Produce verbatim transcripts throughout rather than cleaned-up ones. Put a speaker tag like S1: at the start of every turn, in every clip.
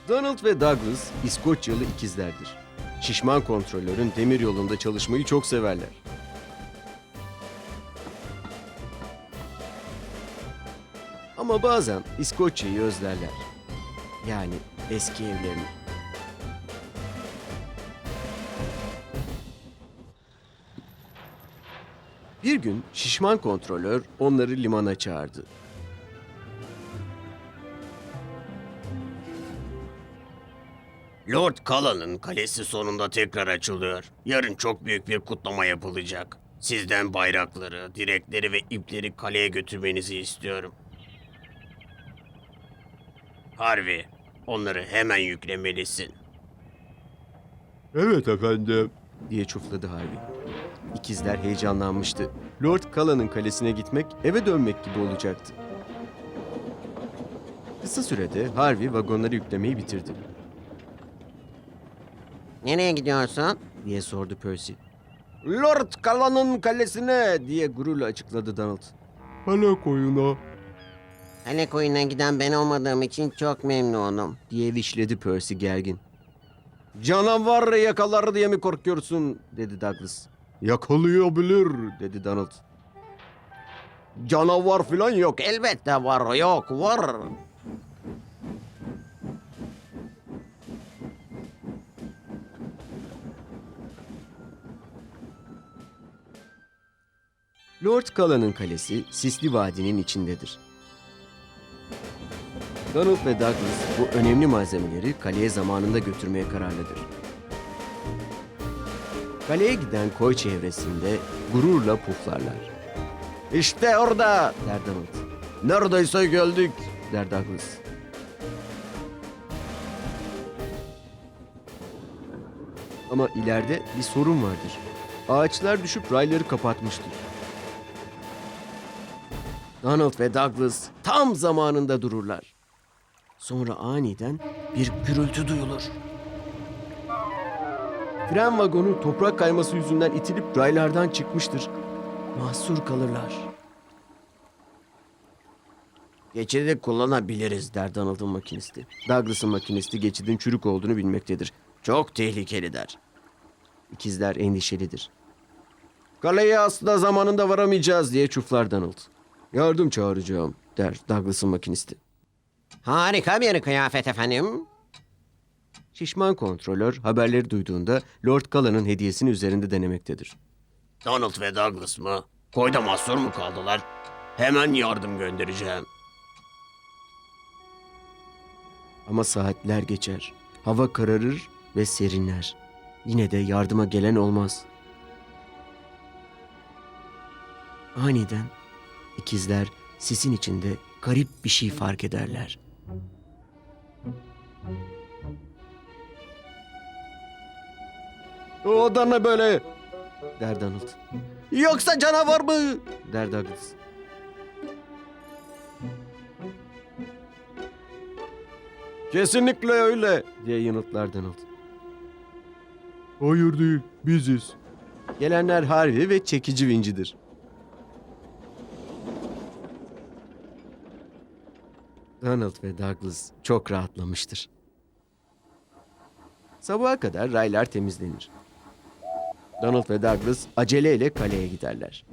S1: Donald ve Douglas İskoçyalı ikizlerdir. Şişman kontrolörün demir yolunda çalışmayı çok severler. Ama bazen İskoçya'yı özlerler. Yani eski evlerini. Bir gün şişman kontrolör onları limana çağırdı.
S2: Lord Cullen'ın kalesi sonunda tekrar açılıyor. Yarın çok büyük bir kutlama yapılacak. Sizden bayrakları, direkleri ve ipleri kaleye götürmenizi istiyorum. Harvey, onları hemen yüklemelisin.
S3: Evet efendim.
S1: diye çufladı Harvey. İkizler heyecanlanmıştı. Lord Cullen'ın kalesine gitmek, eve dönmek gibi olacaktı. Kısa sürede Harvey vagonları yüklemeyi bitirdi.
S2: Nereye gidiyorsun?
S1: diye sordu Percy. Lord Cullen'ın kalesine diye gururla açıkladı Donald.
S3: Hala koyuna.
S2: Kale koyuna giden ben olmadığım için çok memnunum.
S1: diye vişledi Percy gergin. Canavar yakalar diye mi korkuyorsun dedi Douglas. Yakalayabilir dedi Donald. Canavar falan yok.
S2: Elbette var, yok, var.
S1: Lord Cullen'ın kalesi Sisli Vadi'nin içindedir. Donald ve Douglas bu önemli malzemeleri kaleye zamanında götürmeye kararlıdır. Kaleye giden koy çevresinde gururla puflarlar. İşte orada der Donald. Neredeyse geldik der Douglas. Ama ileride bir sorun vardır. Ağaçlar düşüp rayları kapatmıştır. Donald ve Douglas tam zamanında dururlar. Sonra aniden bir gürültü duyulur. Tren vagonu toprak kayması yüzünden itilip raylardan çıkmıştır. Mahsur kalırlar. Geçidi kullanabiliriz der Donald'ın makinisti. Douglas'ın makinisti geçidin çürük olduğunu bilmektedir. Çok tehlikeli der. İkizler endişelidir. Kaleye asla zamanında varamayacağız diye çuflar Donald. Yardım çağıracağım der Douglas'ın makinisti.
S2: Harika bir kıyafet efendim.
S1: Şişman kontrolör haberleri duyduğunda Lord Cullen'ın hediyesini üzerinde denemektedir.
S2: Donald ve Douglas mı? Koyda mahsur mu kaldılar? Hemen yardım göndereceğim.
S1: Ama saatler geçer. Hava kararır ve serinler. Yine de yardıma gelen olmaz. Aniden ikizler sisin içinde garip bir şey fark ederler. O da ne böyle? der Donald. Yoksa canavar mı? der Douglas. Kesinlikle öyle diye yanıtlar Donald.
S3: Hayır değil, biziz.
S1: Gelenler Harvey ve çekici vincidir. Donald ve Douglas çok rahatlamıştır. Sabaha kadar raylar temizlenir. Donald ve Douglas aceleyle kaleye giderler.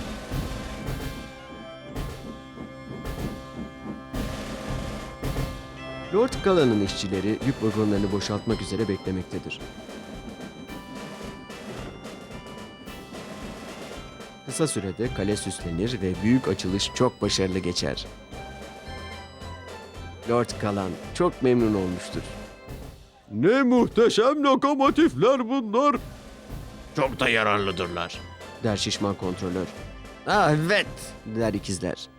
S1: Lord Cullen'ın işçileri yük vagonlarını boşaltmak üzere beklemektedir. Kısa sürede kale süslenir ve büyük açılış çok başarılı geçer. Lord Cullen çok memnun olmuştur.
S3: Ne muhteşem lokomotifler bunlar.
S2: Çok da yararlıdırlar.
S1: der şişman kontrolör. Ah evet der ikizler.